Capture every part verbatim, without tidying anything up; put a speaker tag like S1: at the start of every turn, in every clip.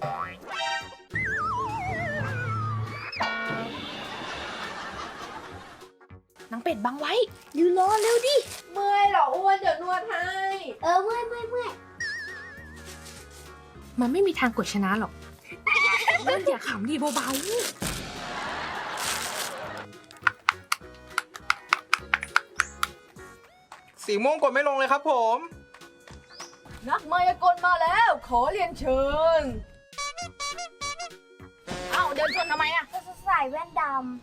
S1: นางเป็ดบังไว้ยืนรอเร็วดิเมื่อยเหรออ้วนเดี๋ยวนวดให้เออเมื่อยเมื่อยเมื่อยมันไม่มีทางกดชนะหรอกอ้วนอย่าขำดิเบา
S2: ๆสีม่วงกดไม่ลงเลยครับผม
S1: นักมายากลมาแล้วขอเรียนเชิญเอ้าเดินชนทำไมอะจะใส่แว่นดำ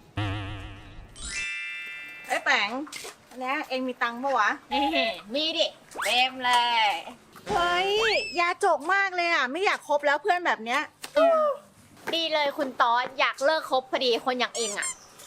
S3: ไอ้แป๋งอันนี้เองมีตังค์ปะวะ
S1: มีดิเต็มเลย
S3: เฮ้ยยาจกมากเลยอ่ะไม่อยากคบแล้วเพื่อนแบบเนี้ย
S4: ดีเลยคุณตอสอยากเลิกคบพอดีคนอย่างเองอะ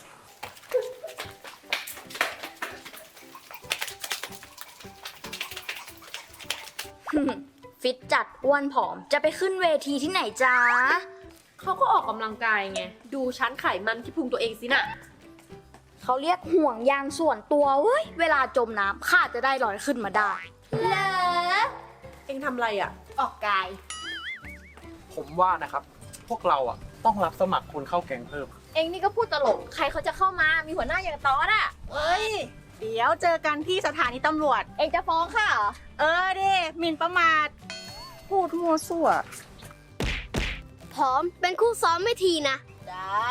S4: ฟิตจัดอ้วนผอมจะไปขึ้นเวทีที่ไหนจ๊ะ
S1: เขาก็ออกกำลังกายไงดูชั้นไขมันที่พุงตัวเองสิน่ะ
S4: เขาเรียกห่วงยางส่วนตัวเว้ยเวลาจมน้ำข้าจะได้ลอยขึ้นมาได้เหรอ
S1: เองทำอะไรอ่ะ
S4: ออกกาย
S2: ผมว่านะครับ พวกเราอ่ะต้องรับสมัครคนเข้าแก๊งเพิ่ม
S4: เองนี่ก็พูดตลกใครเขาจะเข้ามามีหัวหน้าอย่างตอสอะ
S3: เฮ้ยเดี๋ยวเจอกันที่สถานีตำรวจ
S4: เองจะฟ้องข้าเหรอ
S3: เออดิหมิ่นประมาทพูดมั่วซั่ว
S4: พร้อมเป็นคู่ซ้อมไม่ทีนะ
S3: ได้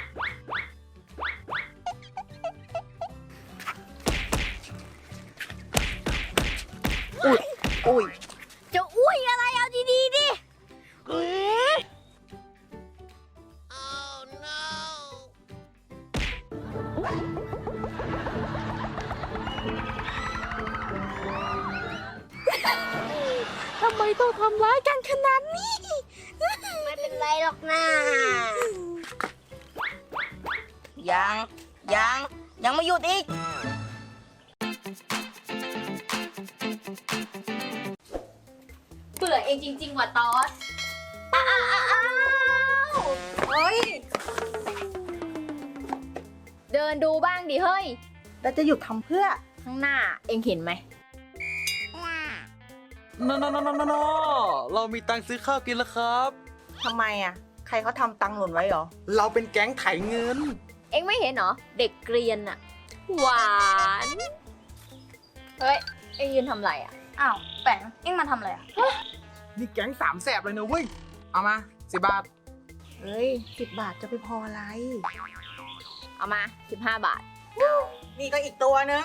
S3: อุ้ยอุ้ย
S4: จะอุ้ยอะไรเอาดีๆดิ
S1: ทำไมต้องทำร้ายกันขนาดนี้
S4: ไม่เป็นไรหรอกนะ
S3: ยังยังยังไม่หยุดอีก
S4: เบื่อเองจริงๆว่ะตอสอ้าว
S3: เฮ้ย
S4: เดินดูบ้างดิเฮ้ย
S3: แล้วจะหยุดทำเพื่อ
S4: ข้างหน้าเองเห็นไหม
S2: นอนนอนนอนเรามีตังค์ซื้อข้าวกินแล้วครับ
S3: ทำไมอ่ะใครเขาทำตังค์หล่นไว้หรอ
S2: เราเป็นแก๊งไถเงิน
S4: เองไม่เห็นเหรอเด็กเกรียนอะหวานเฮ้ยเองยืนทำไรอะอ้าวแป๋งเองมาทำอะไรอะ
S2: นี่แก๊งสามแสบเลยนะเว้ยเอามาสิบบาท
S3: เฮ้ยสิบบาทจะไปพออะไร
S4: เอามาสิบห้าบาท
S3: นี่ก็อีกตัวนึง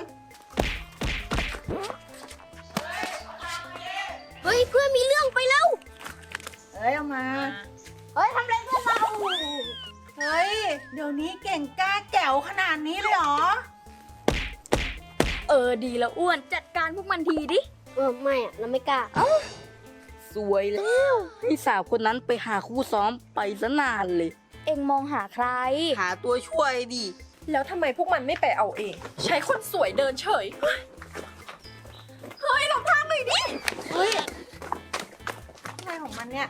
S4: เฮ้ยเพื่อนมีเรื่องไปแล้ว
S3: เฮ้ยเอามา
S4: เฮ้ยทำอะไรเพื่อนเรา
S3: เฮ้ยเดี๋ยวนี้เก่งกล้าแจ๋วขนาดนี้เลยเหรอ
S4: เออดีแล้วอ้วนจัดการพวกมันทีดิเออไม่อะเราไม่กล้า
S5: สวยแล้วให้สาวคนนั้นไปหาคู่ซ้อมไปซะนานเลย
S4: เอ็งมองหาใคร
S5: หาตัวช่วยดิ
S1: แล้วทำไมพวกมันไม่ไปเอาเองใช้คนสวยเดินเฉยเฮ้ยเราพลาดเลยดิ
S3: เฮ้ยอะไรของมันเนี่ย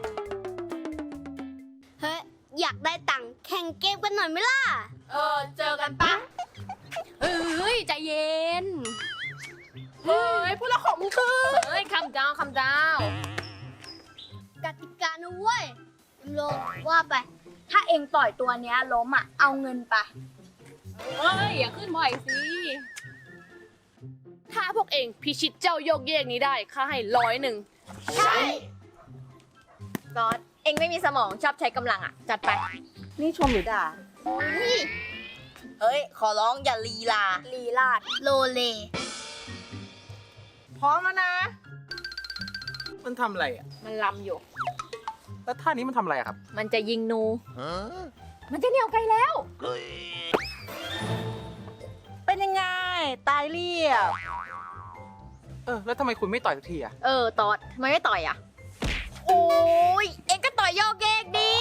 S4: เฮ้ยอยากได้ตังค์แข่งเกมกันหน่อยไหมล่ะ
S1: เออเจอกันปะเฮ้ยใจเย็นเฮ้ยพูดแล้วของมึงคือเฮ้ยคำเจ้าคำเจ้าก
S4: ติกานะเว้ยโลว่าไปถ้าเอ็งปล่อยตัวเนี้ยล้มอ่ะเอาเงินไป
S1: เฮ้ยอย่าขึ้นบ่อยสิถ้าพวกเองพิชิตเจ้าโยกเยกนี้ได้ข้าให้ร้อยหนึ่ง
S4: ใช่ตอสเอ็งไม่มีสมองชอบใช้กำลังอ่ะจัดไป
S3: นี่ชมหรือด่า
S5: เฮ้ยขอร้องอย่าลีลา
S4: ลีลาดโลเล
S3: พร้อมแล้วนะ
S2: มันทำอะไรอ่ะ
S4: มันลำอยู่
S2: แล้วท่านี้มันทำอะไรครับ
S4: มันจะยิงนูมันจะเหนี่ยวไกลแล้ว
S3: เป็นยังไงตายเรียบ
S2: เออแล้วทำไมคุณไม่ต่อยสักทีอ่ะ
S4: เออตอดทำไมไม่ต่อยอ่ะโอ้ยเอ็งก็ต่อยโยกเยกดี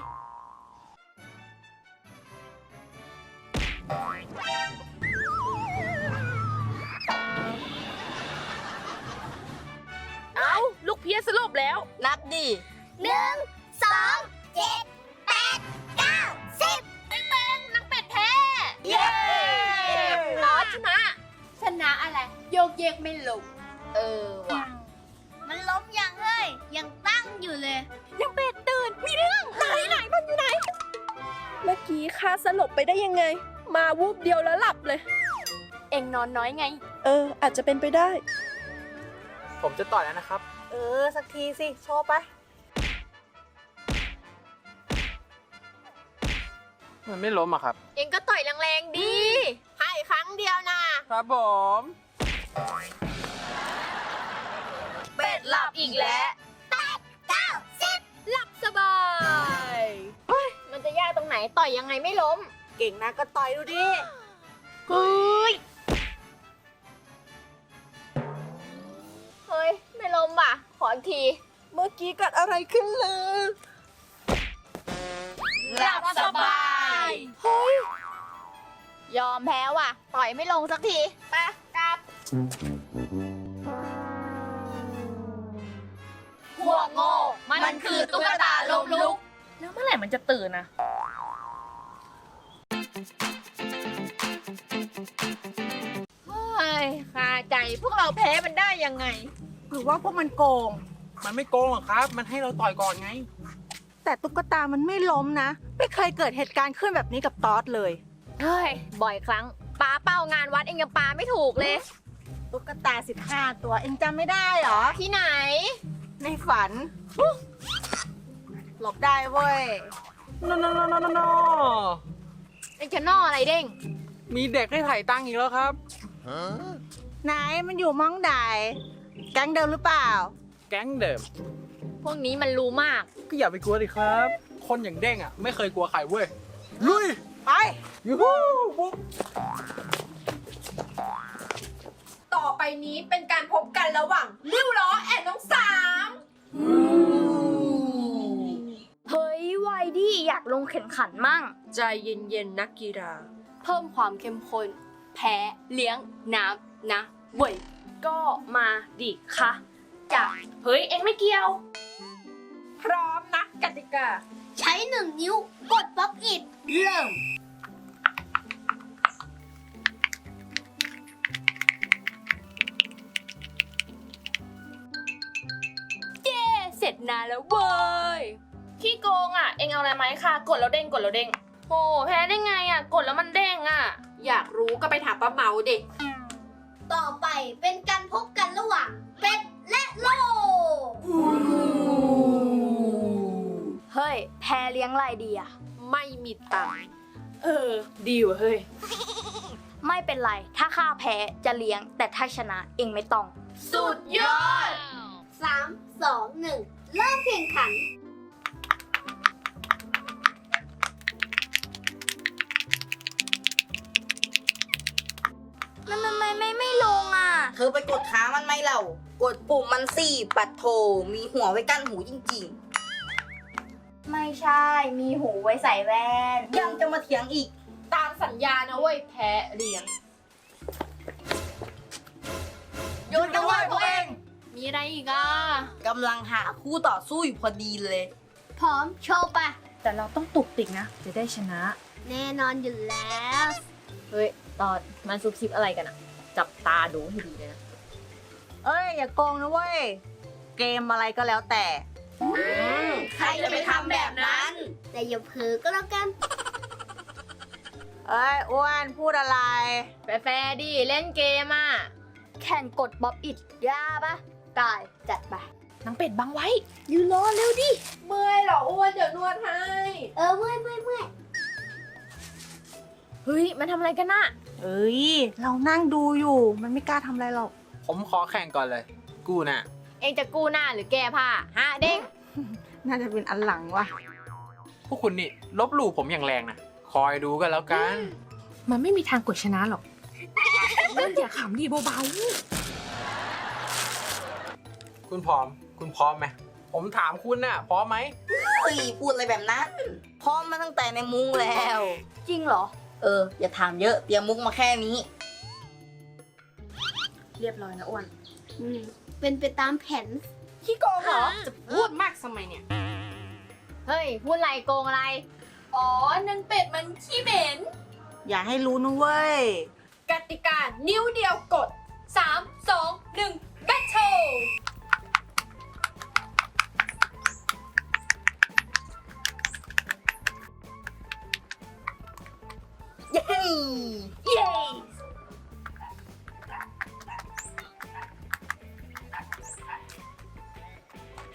S1: เอาลูกเพี้ยสลบแล้ว
S5: นับดิ
S4: หนึ่งสองเจ็ดแปดเก้าสิบเป็นเป็นนักเป็ดแท้
S1: เย้รอดชนะ
S4: ชนะอะไรโยกเยกไม่ลงเออว่ะมันล้มยังเฮ้ยยังตั้งอยู่เลยยังเป็ดตื่น
S1: เมื่อกี้ข้าสลบไปได้ยังไง มาวูบเดียวแล้วหลับเลย เอ็งนอนน้อยไง เออ อาจจะเป็นไปได้
S2: ผมจะต่อยแล้วนะครับ
S3: เออ สักทีสิ โชว์ไป
S2: มันไม่ล้มอะครับ
S1: เอ็งก็ต่อยแรงๆดี ให้ครั้งเดียวนะครับ
S2: ผม
S1: เป็ดหลับอีกแล้วแปดเก้าสิบหลับสบายเฮ้ยมันจะยากตรงไหนต่อยยังไงไม่ล้ม
S3: เก่งนะก็ต่อยดูดิ
S1: เฮ้ย เฮ้ย ไม่ล้มว่ะ ขออีกที
S3: เมื่อกี้เกิดอะไรขึ้นเลย
S1: หลับสบาย เฮ้ย ยอมแพ้ว่ะ ต่อยไม่ลงสักที ไปกลับ พวกโง่ มันคือตุ๊กตาลมลุก
S5: แล้วเมื่อไหร่มันจะตื่นนะ
S1: เฮ้ยคาใจพวกเราแพ้มันได้ยังไง
S3: หรือว่าพวกมันโกง
S2: มันไม่โกงหรอกครับ มันให้เราต่อยก่อนไง
S3: แต่ตุ๊กตามันไม่ล้มนะ ไม่เคยเกิดเหตุการณ์ขึ้นแบบนี้กับตอสเลย
S1: เฮ้ย บ่อยครั้งปาเป้างานวัดเองยังปาไม่ถูกเลย
S3: ตุ๊กตาสิบห้าตัวเองจำไม่ได้เหรอ
S1: ที่ไหน
S3: ในฝัน หลบได้เว้ย
S2: โนโนโนโนโนโน
S1: เองจะนออะไรเด้ง
S2: มีเด็กให้ถ่ายตังค์อีกแล้วครับ
S3: ไหนมันอยู่มองใดแก๊งเดิมหรือเปล่า
S2: แก๊งเดิม
S1: พวกนี้มันรู้มาก
S2: ก็อย่าไปกลัวดิครับ คนอย่างเด้งอ่ะ ไม่เคยกลัวใครเว้ย ลุย
S3: ไป
S2: ยูฮูบุ๊ก
S1: ต่อไปนี้เป็นการพบกันระหว่างริ้วล้อแอนน้องสาม
S4: เฮ้ยไวดี้อยากลงแข่งขันมั่ง
S6: ใจเย็นๆนักกีฬา
S1: เพิ่มความเข้มข้น แพ้เลี้ยงน้ำนะเว้ย
S6: ก็มาดิคะจ้ะเฮ้ย เอ็งไม่เกี่ยว
S1: พร้อมนะกติกา
S4: ใช้หนึ่งนิ้วกดบล็อกอิดเริ่ม
S1: เสร็จนานแล้วเว้ย
S6: ขี้โกงอ่ะ เอ็งเอาอะไรไหมาให้ค่ะ กดแล้วเด้ง กดแล้วเด้งโหแพ้ได้ไงอ่ะ กดแล้วมันเด้งอ่ะ อยากรู้ก็ไปถามป้าเมาเด็ก
S4: ต่อไปเป็นการพบกันระหว่างเป็ดและโลเฮ้ย แพ้เลี้ยงอะไรดีอะ
S6: ไม่มีตังค์เออ ดีว่ะเฮ้ย
S4: ไม่เป็นไร ถ้าข้าแพ้จะเลี้ยง แต่ถ้าชนะเองไม่ต้อง
S6: สุดยอด
S4: สาม สอง หนึ่ง เริ่มแข่งขัน มันทำไมไม่ไม่ลงอ่ะ
S5: เธอไปกดค้างมันไหมเรา กดปุ่มมันสี่ปัดโท มีหัวไว้กั้นหูจริง
S4: ไม่ใช่ มีหูไว้ใส่แว่น
S5: ๆ ยังจะมาเถียงอีก
S6: ตามสัญญานะเว้ย แพ้เลี้ยง
S5: หยุดกันไว้พวกเอง
S1: มีอะไรอีกอ่ะ
S5: กำลังหาคู่ต่อสู้อยู่พอดีเลย
S4: พร้อมโชว์ปะ
S5: แต่เราต้องตุกติกนะ จะได้ชนะ
S4: แน่นอนอยู่แล้ว
S1: เฮ้ย ตอนมันซุบซิบอะไรกันอ่ะ จับตาดูให้ดีเลยนะ
S3: เอ้ย อย่าโกงนะเว้ย เกมอะไรก็แล้วแต่
S6: ใครจะไปทำแบบนั้น
S4: แต่อย่าเผลอก็แล้วกัน
S3: เอ้ย อ้วนพูดอะไร
S1: แฟร์ๆดิ เล่นเกมอ่ะ
S4: แข่งกดบ๊อบอิดยาปะตายจัดไป
S6: นางเป็ดบังไว้
S4: ยูโรเร็วดิ
S1: เมื่อยเหรออ้วนเดี๋ยวนวดให้
S4: เออเมื่อยเมื่อยเมื่อย
S1: เฮ้ย มันทำอะไรกันน่ะ
S3: เอ้ย เรานั่งดูอยู่ มันไม่กล้าทำอะไรหรอก
S2: ผมขอแข่งก่อนเลย กู้น่ะ
S1: เองจะกู้หน้าหรือแก้ผ้าฮะเด้ง
S3: น่าจะเป็นอันหลังว่ะ
S2: พวกคุณนี่ลบหลู่ผมอย่างแรงนะ คอยดูกันแล้วกัน
S6: มันไม่มีทางกดชนะหรอกเล่นอย่าขำดีเบา
S2: คุณพร้อม คุณพร้อมไหม ผมถามคุณน่ะ พร้อมไหม
S5: เฮ้ย พูดอะไรแบบนั้น พร้อมมาตั้งแต่ในมุ้งแล้ว
S4: จริงเหรอ
S5: เออ อย่าถามเยอะ เตรียมมุกมาแค่นี้
S6: ๆ เรียบร้อยนะอ้วน
S4: อืม เป็นไปตามแผน
S6: ขี้โกงเหรอ จะพูดมากทำไมเนี่ย
S1: เฮ้ย พูดอะไรโกงอะไร
S6: อ๋อนางเป็ดมันขี้เหม็น
S3: อย่าให้รู้นะเว้ย
S6: กติกานิ้วเดียวกด สาม สอง หนึ่ง แบทเทิล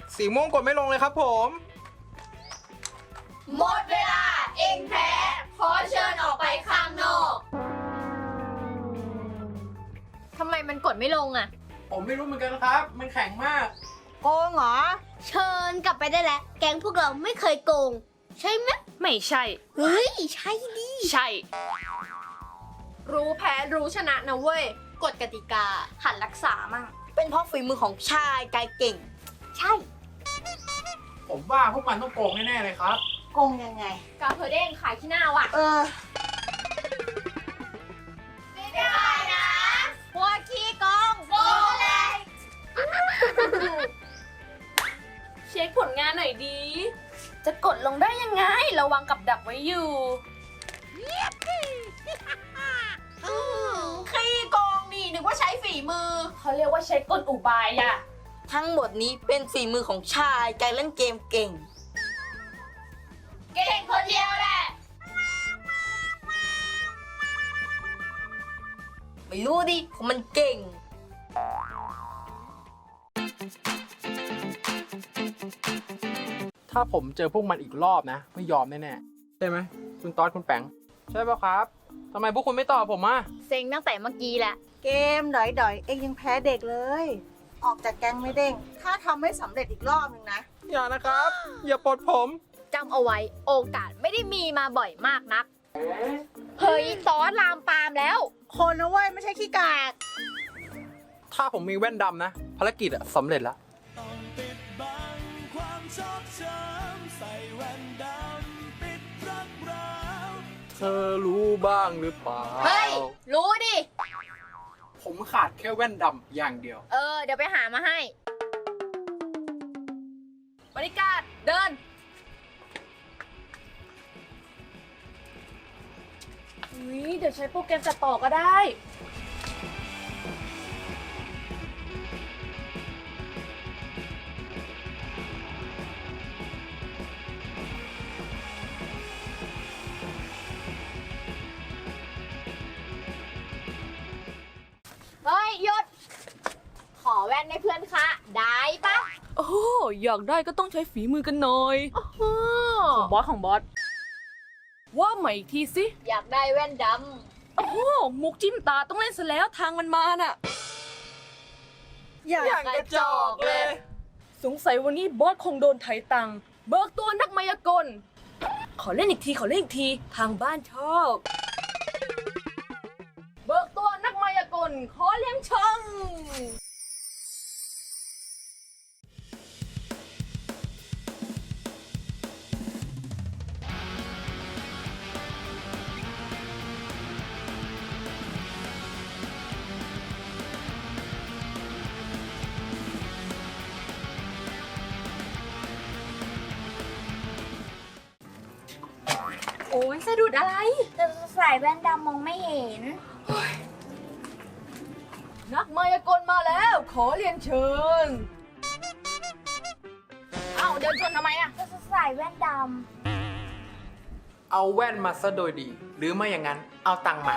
S2: สีม่วงกดไม่ลงเลยครับผม
S4: หมดเวลาเองแพ้ขอเชิญออกไปข้างนอก
S1: ทำไมมันกดไม่ลงอะ
S2: ผมไม่รู้เหมือนกันครับ มันแข็งมาก
S3: โกงเหรอ
S7: เชิญกลับไปได้แล้ว แก๊งพวกเราไม่เคยโกง ใช่ไหม
S6: ไม่ใช่
S7: เฮ้ย ใช่ดิ
S6: ใช่
S1: รู้แพ้รู้ชนะนะเว้ย กฎกติกา
S4: หันรักษามั่ง
S5: เป็นเพราะฝีมือของชายกายเก่ง
S7: ใช่
S2: ผมว่าพวกมันต้องโกงแน่ๆเลยครับ
S3: โกงยังไง
S1: กาเพอเด้งขายขี้หน้าว่ะ
S3: เออ
S1: พวกขี้โกงโกงเลย
S6: เช็คผลงานหน่อยดี จะกดลงได้ยังไง ระวังกับดักไว้อยู่
S1: ขี้โกงนี่นึกว่าใช้ฝีมือ
S6: เขาเรียกว่าใช้กลอุบายอะ
S5: ทั้งหมดนี้เป็นฝีมือของชายกายเล่นเกมเก่ง
S1: เก่งคนเดียวแหละ
S5: ไม่รู้ดิของมันเก่ง
S2: ถ้าผมเจอพวกมันอีกรอบนะ ไม่ยอมแน่ๆ ใช่ไหม คุณต๊อดคุณแปงใช่ป่ะครับทำไมพวกคุณไม่ตอบผมอ่ะ
S1: เซ็งตั้งแต่เมื่อกี้แหละ
S3: เกมดอยๆ เองยังแพ้เด็กเลย ออกจากแก๊งไม่เด้ง ถ้าทำไม่สำเร็จอีกรอบหนึ่งนะ
S2: อย่านะครับ อย่าปลดผม
S1: จำเอาไว้โอกาสไม่ได้มีมาบ่อยมากนัก เฮ้ยซอสลามปามแล้ว
S3: คนนะเว้ย ไม่ใช่ขี้กาก
S2: ถ้าผมมีแว่นดำนะ ภารกิจอะสำเร็จแล้ว
S8: ต้องปิดบังความชอบช้ำใส่แว่นดำปิดรักร้าว
S2: เธอรู้บ้างหรือเปล่า
S1: เฮ้ย รู้ดิ
S2: ผมขาดแค่แว่นดำอย่างเดียว
S1: เออ เดี๋ยวไปหามาให้ บริการเดิน
S6: อุ๊ยเดี๋ยวใช้โปรแกรมตัดต่อก็ได้
S1: เฮ้ยหยุด ขอแว่นให้เพื่อนคะ ได้ปะ
S6: โอ้โหอยากได้ก็ต้องใช้ฝีมือกันหน่อย
S1: โอ้
S6: ของบอสของบอส ว่าใหม่อีกทีสิ
S1: อยากได้แว่นด
S6: โอ้โหมุกจิ้มตาต้องเล่นซะแล้วทางมันมาน่ะ
S3: อย่า
S2: อย่างกระจอกเลย
S6: สงสัยวันนี้บอสคงโดนไถตังค์เบิกตัวนักมายากล ขอเล่นอีกทีขอเล่นอีกทีทางบ้านชอบ เบิกตัวนักมายากลขอเลี้ยงช่อง
S1: ำ โอ้ยสะดุดอะไร
S4: จะใส่แว่นดำมองไม่เห็น
S6: นักมายากลมาแล้ว ขอเรียนเชิญ
S1: เอ้าเดินชนทำไมอะ
S4: จะใส่แว่นด
S2: เอาแว่นมาซะโดยดี หรือไม่อย่างนั้น เอาตังค์มา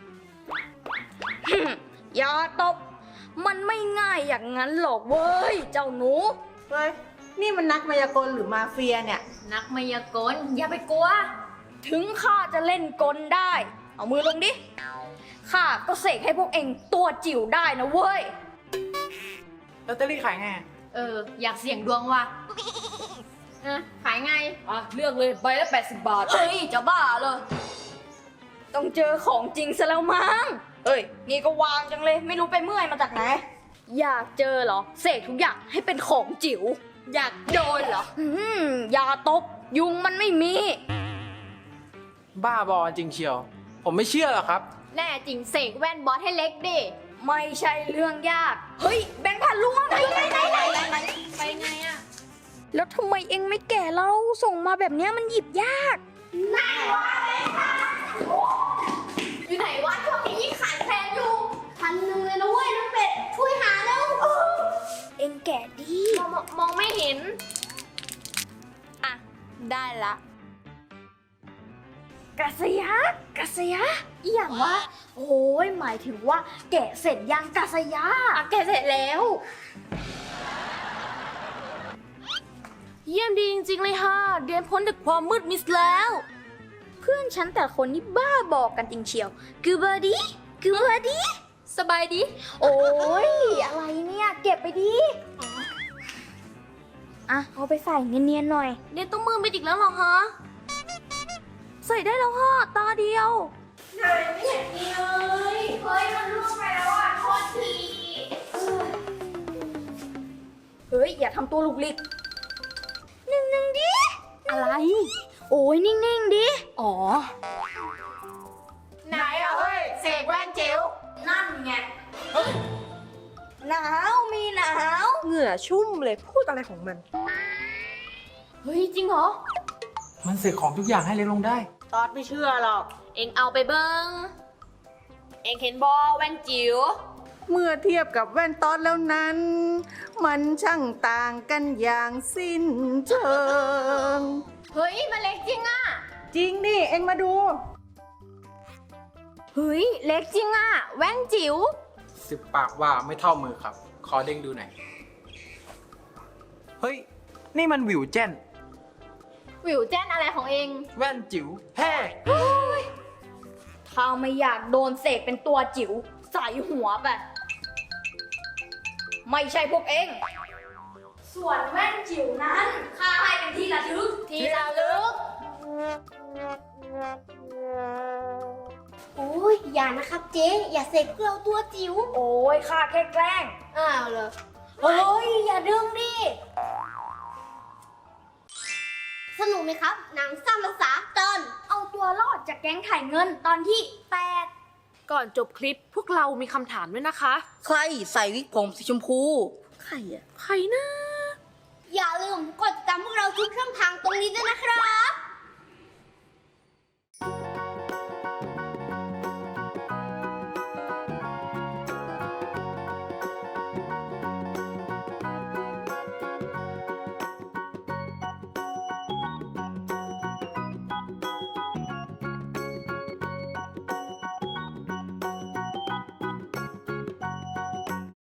S5: อย่าตบ มันไม่ง่ายอย่างนั้นหรอกเว้ย เจ้าหนู
S3: เฮ้ย นี่มันนักมายากลหรือมาเฟียเนี่ย
S1: นักมายากล อย่าไปกลัว
S5: ถึงข้าจะเล่นกลได้ เอามือลงดิ ข้าก็เสกให้พวกเองตัวจิ๋วได้นะเว้ย
S2: ลอตเตอรี่ขายไง
S1: เออ อยากเสี่ยงดวงว่ะเออขายไง
S6: อ่ะ เลือกเลยใบละแปดสิบบาท
S5: เฮ้ย จะบ้าเลย ต้องเจอของจริงซะแล้วมั้งเอ้ย นี่ก็วางจังเลย ไม่รู้ไปเมื่อยมาจากไหน อยากเจอเหรอ เสกทุกอย่างให้เป็นของจิ๋ว
S1: อยากโดนเหรอ
S5: อืมอย่าตบ ยุงมันไม่มี
S2: บ้าบอจริงเชียว ผมไม่เชื่อหรอกครับ
S1: แน่จริงเสกแว่นบอสให้เล็กดิ
S5: ไม่ใช่เรื่องยาก เฮ้ย แบงค์พันล่วงไหนไหนไหนไหนไหน
S1: ไปไงอะ
S5: แล้วทำไมเองไม่แก่เรา ส่งมาแบบเนี้ยมันหยิบยาก
S1: อยู่ไหนวะช่วงนี้ยิ่งขายแพงอยู่พันหนึ่งเลยนะเว้ยน้องเป็ด ช่วยหาแล้ว
S5: เองแก่ดี
S1: มองมองไม่เห็น
S5: อ่ะ ได้ละกะสยะกะสยะ
S4: ำอีอย่างว่า โอ้ยหมายถึงว่าแกะเสร็จยังกาสยา
S1: อ่ะแกะเสร็จแล้ว
S6: ยี่ยมดีจริงๆเลยค่ะเดียนพ้นจากความมืดมิดแล้ว
S5: เพื่อนฉันแต่ละคนนี่บ้าบอกกันจริงเชียวกูเบอร์ดีกูเบอร์ดี
S1: สบายดี
S5: โอ้ยอะไรเนี่ย เก็บไปดิอ่ะเอาไปใส่เนียนๆหน่อย
S6: เดียนต้องมือมิดอีกแล้วเหรอคะ ใส่ได้แล้วค่ะตาเดียว
S5: เฮ้ย มันล่วงไปแล้วอ่ะโทษทีเฮ้ย อย่าทำตัวลุกลิกนิ่งๆดิ
S1: อะไร
S5: โอ้ยนิ่งๆดิ
S1: อ๋อ
S3: ไหนอะเฮ้ยเสกแว่นจิ๋ว
S5: นั่นไงหนาวมีหนาว
S3: เหงื่อชุ่มเลยพูดอะไรของมัน
S1: เฮ้ย จริงเหรอ
S2: มันเสกของทุกอย่างให้เล็กลงได้
S3: ตอดไม่เชื่อหรอก
S6: เอ็งเอาไปเบิงเอ็งเห็นบอแว่นจิ๋ว
S3: เมื่อเทียบกับแว่นตอดแล้วนั้น มันช่างต่างกันอย่างสิ้นเชิง
S1: เฮ้ยมันเล็กจริงอะ
S3: จริงดิเอ็งมาดู
S1: เฮ้ย เล็กจริงอะแว่นจิ๋ว
S2: สิบปากว่าไม่เท่ามือครับ ขอเด้งดูหน่อย เฮ้ย นี่มันวิวเจน
S1: วิวแจ้นอะไรของเอง
S2: แว่นจิ๋วแฮ่
S5: ถ้าไม่อยากโดนเสกเป็นตัวจิ๋วใส่หัวไป ไม่ใช่พวกเอง ส่วนแว่นจิ๋วนั้นข้าให้เป็นที่ระลึก
S1: ที่ระลึก
S7: โอ้ยอย่านะครับเจ๊อย่าเสกพวกเราตัวจิ๋ว
S5: โอ้ยข้าแค่แกล้ง
S7: อ้าวเหรอ
S5: เฮ้ย อย่าดึงดิ
S7: สนุกไหมครับ หนังสั้นภาษาตอน
S5: เอาตัวรอดจากแก๊งถ่ายเงินตอนที่แปด
S6: ก่อนจบคลิปพวกเรามีคำถามด้วยนะคะ
S9: ใครใส่วิกผมสีชมพู
S6: ใครอะใครนะ
S7: อย่าลืมกดติดตามพวกเราทุกช่องทางตรงนี้ด้วยนะครับ